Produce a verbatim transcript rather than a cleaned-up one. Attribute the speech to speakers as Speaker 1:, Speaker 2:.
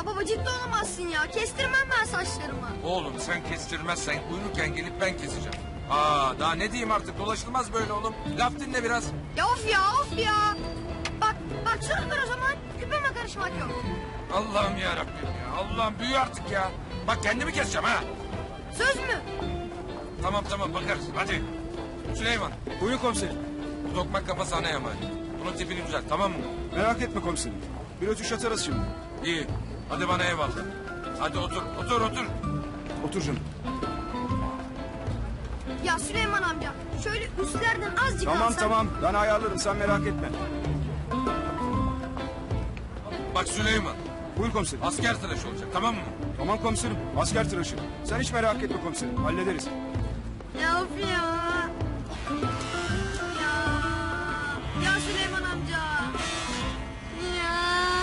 Speaker 1: Ya baba ciddi olamazsın ya. Kestirmem ben saçlarımı.
Speaker 2: Oğlum sen kestirmezsen uyurken gelip ben keseceğim. Aa daha ne diyeyim artık, dolaşılmaz böyle oğlum. Laf dinle biraz.
Speaker 1: Ya of ya of ya. Bak bak şuradır o zaman. Küpeme karışmak yok.
Speaker 2: Allah'ım ya Rabbim ya. Allah'ım büyü artık ya. Bak kendimi keseceğim ha.
Speaker 1: Söz mü?
Speaker 2: Tamam tamam bakarız hadi. Süleyman
Speaker 3: Buyurun komiserim.
Speaker 2: bu tokmak kafa sana emanet. Bunun tipini düzelt tamam mı?
Speaker 3: Merak etme komiserim. Bir ötüş atarız şimdi.
Speaker 2: İyi. Hadi bana eyvallah. Hadi otur otur otur.
Speaker 3: Otur canım.
Speaker 1: Ya Süleyman amca şöyle üstlerden azıcık
Speaker 3: Tamam
Speaker 1: alsan.
Speaker 3: tamam ben ayarlarım sen merak etme.
Speaker 2: Bak Süleyman
Speaker 3: Buyur komiserim.
Speaker 2: asker tıraşı olacak tamam mı?
Speaker 3: Tamam komiserim. Asker tıraşı. Sen hiç merak etme komiserim. Hallederiz.
Speaker 1: Ya of ya.